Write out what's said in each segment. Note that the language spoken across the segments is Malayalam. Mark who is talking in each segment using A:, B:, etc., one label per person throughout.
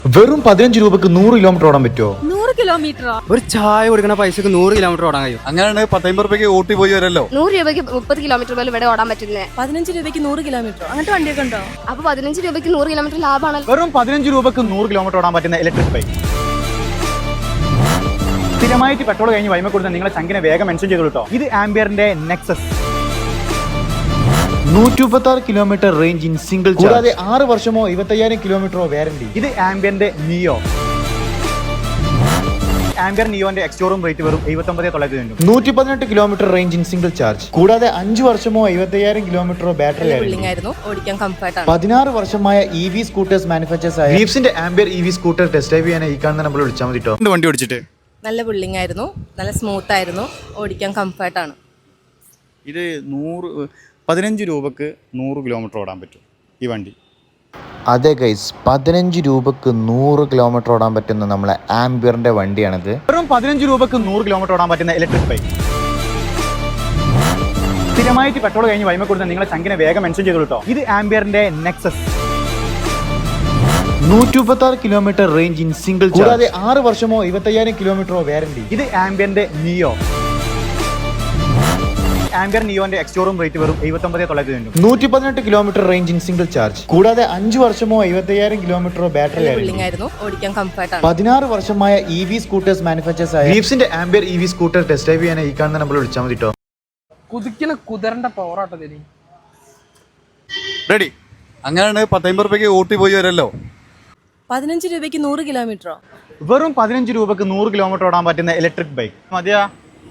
A: വെറും 15 രൂപക്ക് 100 കിലോമീറ്റർ ഓടാൻ പറ്റുമോ?
B: 100 കിലോമീറ്ററോ?
C: ഒരു ചായ കൊടുക്കുന്ന പൈസക്ക് 100 കിലോമീറ്റർ ഓടാൻ കഴിയും.
D: അങ്ങനെയാണ് 10 രൂപയ്ക്ക് ഊട്ടി പോയി വരല്ലോ.
E: 100 രൂപയ്ക്ക് 30 കിലോമീറ്റർ പോലും ഇവിടെ ഓടാൻ പറ്റുന്നേ.
B: 15 രൂപയ്ക്ക് 100 കിലോമീറ്റർ അങ്ങനത്തെ വണ്ടിയൊക്കെ ഉണ്ടോ?
E: അപ്പൊ 15 രൂപയ്ക്ക് 100 കിലോമീറ്റർ ലാഭമാണല്ലോ.
A: വെറും 15 രൂപക്ക് 100 കിലോമീറ്റർ ഓടാൻ പറ്റുന്ന ഇലക്ട്രിക് ബൈക്ക്. സ്ഥിരമായിട്ട് പെട്രോൾ കഴിഞ്ഞ് വൈമ കൊടുത്ത നിങ്ങളെ ചങ്കിനെ വേഗം മെൻഷൻ ചെയ്തു കേട്ടോ. ഇത് ആംബിയറിന്റെ Nexus 136 kilometre range in single charge. കൂടാതെ 6 വർഷമോ 25,000 കിലോമീറ്ററോ വാറന്റി. ഇത് ആംബിയറിന്റെ നിയോ. ആംബിയർ നിയോന്റെ എക്സ്റ്റോറൂം റേറ്റ് വെറും 79,900. 118 kilometre range in single charge. കൂടാതെ 5 വർഷമോ 75,000 കിലോമീറ്ററോ ബാറ്ററി
B: ആയിരുന്നു. ഓടിക്കാൻ കംഫർട്ടാണ്.
A: 16 വർഷമായ EV സ്കൂട്ടേഴ്സ് മാനുഫാക്ചേഴ്സ് ആയ ലീഫ്സിന്റെ ആംബിയർ EV സ്കൂട്ടർ ടെസ്റ്റ് ഡ്രൈവ് ചെയ്യാൻ ഈ കാണുന്ന നമ്പർ വിളിച്ചാൽ മതി കേട്ടോ.
D: വണ്ടി ഓടിച്ചിട്ട്
B: നല്ല ബിൽഡിംഗ് ആയിരുന്നു, നല്ല സ്മൂത്ത് ആയിരുന്നു, ഓടിക്കാൻ കംഫർട്ടാണ്.
D: ഇത് 15 രൂപക്ക് 100 കിലോമീറ്റർ ഓടാൻ പറ്റും ഈ വണ്ടി.
A: അതെ ഗൈസ്, 15 രൂപക്ക് 100 കിലോമീറ്റർ ഓടാൻ പറ്റുന്ന നമ്മളെ ആംബിയറിന്റെ വണ്ടിയാണിത്. വെറും 15 രൂപക്ക് 100 കിലോമീറ്റർ ഓടാൻ പറ്റുന്ന ഇലക്ട്രിക് ബൈക്ക്. സ്ഥിരമായിട്ട് പെട്രോൾ കഴിഞ്ഞ് വൈമ കൊടുത്ത നിങ്ങളെ ചങ്കിനെ വേഗം മെൻഷൻ ചെയ്തു കേട്ടോ. ഇത് ആംബിയറിന്റെ Nexus 136 kilometre range in single charge. കൂടാതെ 6 വർഷമോ 25,000 കിലോമീറ്ററോ വാറന്റി. ഇത് ആംബിയറിന്റെ നിയോ. ആംബിയർ നിയോന്റെ എക്സ്റ്റോറൂം റേറ്റ് വെറും 79,900. 118 kilometre range in single charge. കൂടാതെ 5 വർഷമോ 75,000 കിലോമീറ്ററോ ബാറ്ററി
B: ബിൽഡിംഗ് ആയിരുന്നു, ഓടിക്കാൻ കംഫർട്ടാണ്.
A: 16 വർഷമായ EV സ്കൂട്ടേഴ്സ് മാനുഫാക്ചേഴ്സ് ആയ ലീഫ്സിന്റെ ആംബിയർ EV സ്കൂട്ടർ ടെസ്റ്റ് ഡ്രൈവ് ചെയ്യാൻ ഈ കാണുന്ന നമ്പർ വിളിച്ചാൽ മതി കേട്ടോ.
F: കുതിക്കുന്ന കുതിരന്റെ പവറാട്ടോ തരി.
D: റെഡി. അങ്ങനെയാണ് 10 രൂപയ്ക്ക് ഊട്ടി പോയി വരല്ലോ.
B: 15 രൂപയ്ക്ക് 100 കിലോമീറ്ററോ?
A: വെറും 15 രൂപക്ക് 100 കിലോമീറ്റർ ഓടാൻ പറ്റുന്ന ഇലക്ട്രിക് ബൈക്ക് മതിയാ.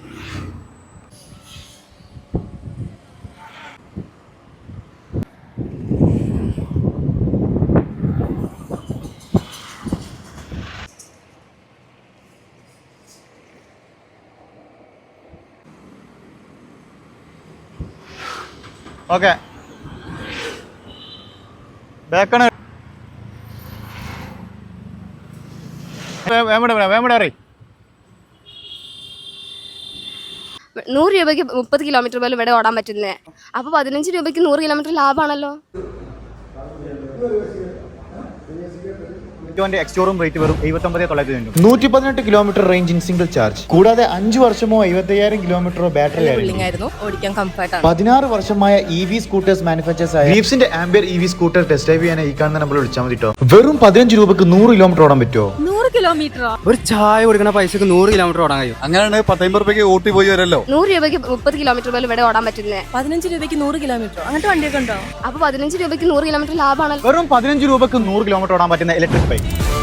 A: ഓക്കെ, ബാക്കാണ്. വേമട
E: 100 രൂപയ്ക്ക് 30 കിലോമീറ്റർ പോലും ഇവിടെ ഓടാൻ പറ്റുന്നേ. അപ്പൊ 15 രൂപയ്ക്ക് 100 കിലോമീറ്റർ ലാഭമാണല്ലോ.
A: എക്സ്റ്റോറൂം റേറ്റ് വെറും 79,900. 118 kilometre range in single charge. കൂടാതെ 5 വർഷമോ 75,000 കിലോമീറ്ററോ ബാറ്ററി
B: ബിൽഡിംഗ് ആയിരുന്നു, ഓടിക്കാൻ കംഫർട്ടാണ്.
A: 16 വർഷമായ EV സ്കൂട്ടേഴ്സ് മാനുഫാക്ചേഴ്സ് ആയ ലീഫ്സിന്റെ ആംബിയർ EV സ്കൂട്ടർ ടെസ്റ്റ് ഡ്രൈവ് ചെയ്യാൻ ഈ കാണുന്ന നമ്പർ വിളിച്ചാൽ മതി കേട്ടോ. വെറും 15 രൂപക്ക് 100 കിലോമീറ്റർ ഓടാൻ പറ്റുമോ?
B: 100 കിലോമീറ്ററോ?
C: ഒരു ചായ കൊടുക്കുന്ന പൈസക്ക് 100 കിലോമീറ്റർ ഓടാൻ കഴിയും.
D: അങ്ങനെയാണ് 10 രൂപയ്ക്ക് ഊട്ടി പോയി വരല്ലോ.
E: 100 രൂപയ്ക്ക് 30 കിലോമീറ്റർ പോലും ഇവിടെ ഓടാൻ പറ്റുന്നേ.
B: 15 രൂപയ്ക്ക് 100 കിലോമീറ്റർ അങ്ങനത്തെ വണ്ടിയൊക്കെ ഉണ്ടോ?
E: അപ്പൊ 15 രൂപയ്ക്ക് 100 കിലോമീറ്റർ ലാഭമാണല്ലോ.
A: വെറും 15 രൂപക്ക് 100 കിലോമീറ്റർ ഓടാൻ പറ്റുന്ന ഇലക്ട്രിക് ബൈക്ക്.